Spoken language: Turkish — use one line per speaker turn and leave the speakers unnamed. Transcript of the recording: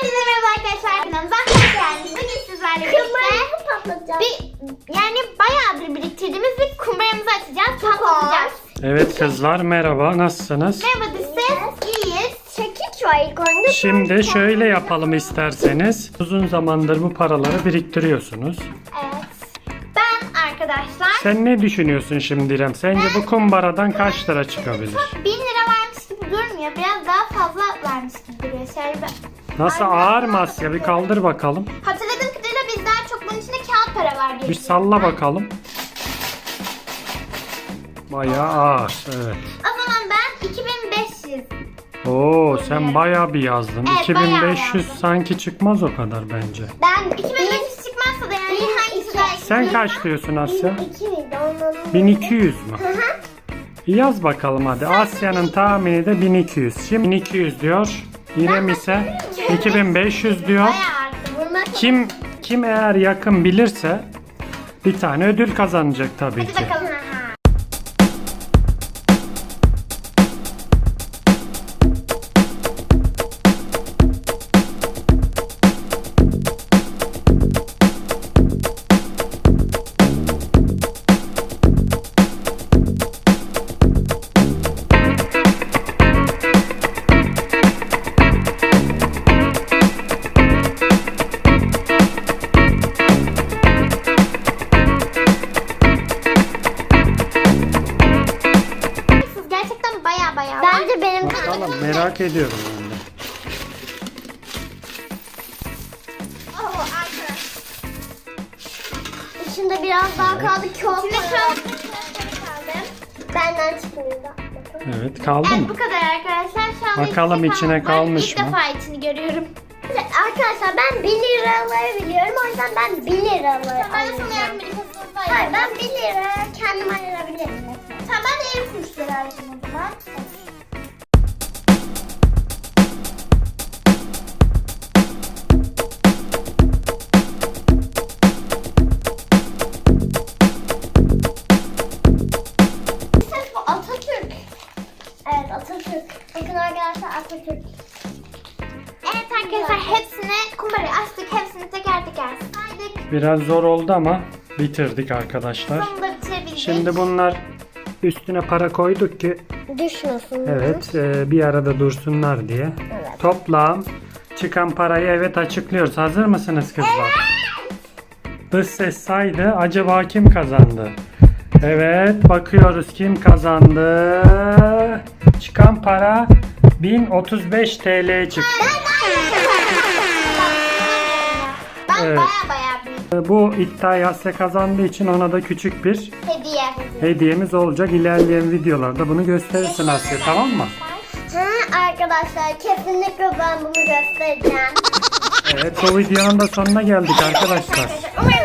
Herkese merhaba arkadaşlar, kanalımıza hoş geldiniz. Bugün sizlerle birlikte bayağıdır biriktirdiğimiz bir kumbaramızı açacağız, patlatacağız.
Evet kızlar, merhaba, nasılsınız?
Merhaba Düses, iyiyiz.
Çekiç var ilk önce.
Şimdi şöyle yapalım isterseniz. Uzun zamandır bu paraları biriktiriyorsunuz.
Evet. Ben arkadaşlar
Sen ne düşünüyorsun şimdi İrem? Sence bu kumbaradan kaç lira çıkabilir?
1000 lira vermiş gibi durmuyor. Biraz daha fazla vermiş gibi duruyor.
Nasıl, ağır mı Asya? Bir kaldır bakalım.
Hatırladığım kadarıyla biz daha çok bunun içinde kağıt para var diye.
Bir salla bakalım. Bayağı ağır, evet.
O zaman ben 2500.
Oo, sen bayağı bir yazdın.
Evet,
2500
bayağı yazdım.
sanki çıkmaz o kadar bence.
Ben
2500 çıkmazsa da yani hangisi daha
Sen kaç diyorsun Asya?
2 miydi onların?
1200 mü? Yaz bakalım hadi. Asya'nın tahmini de 1200. Şimdi 1200 diyor. İrem ise 2500 diyor.
bayağı arttı.
Kim eğer yakın bilirse bir tane ödül kazanacak tabii
Hadi
ki.
bakalım. Siz gerçekten bayağı var.
Bence benim
Bakalım, merak ediyorum ben de.
Oh, arkadaşlar.
içinde biraz daha kaldı. Çok
İçinde
kaldı.
çok kaldı.
Benden çıkmıyor da.
Evet, kaldı
Evet,
mı?
bu kadar arkadaşlar. Şu an
Bakalım içine kalmış
İlk
mı?
defa içini görüyorum.
Arkadaşlar ben 1 liraları biliyorum. O yüzden ben 1 liraları
Ben de sana
alacağım.
yardım edeyim.
Hayır, ben 1 lira kendim ayırabilirim mesela.
Tamam, ben de 50 kuruş lira alacağım o zaman. Bu Atatürk.
Evet, Atatürk. Bakın arkadaşlar, Atatürk.
Evet arkadaşlar, hepsini kumbarayı açtık. Hepsini teker teker saydık.
Biraz zor oldu ama bitirdik arkadaşlar.
Sonunda bitirebildik.
Şimdi bunlar üstüne para koyduk ki
Düşmesin.
evet bir arada dursunlar diye.
Evet.
Toplam çıkan parayı evet açıklıyoruz. Hazır mısınız kızlar? Dış ses saydı. Acaba kim kazandı? Evet, bakıyoruz kim kazandı. Çıkan para 1035 TL çıktı.
Ben
Evet.
bayağı büyük
Bu iddiayı Asya kazandığı için ona da küçük bir
hediye.
hediyemiz olacak. İlerleyen videolarda bunu gösterirsin Asya, tamam mı?
Ha, arkadaşlar kesinlikle ben bunu göstereceğim.
Evet, bu videonun da sonuna geldik arkadaşlar.
Umarım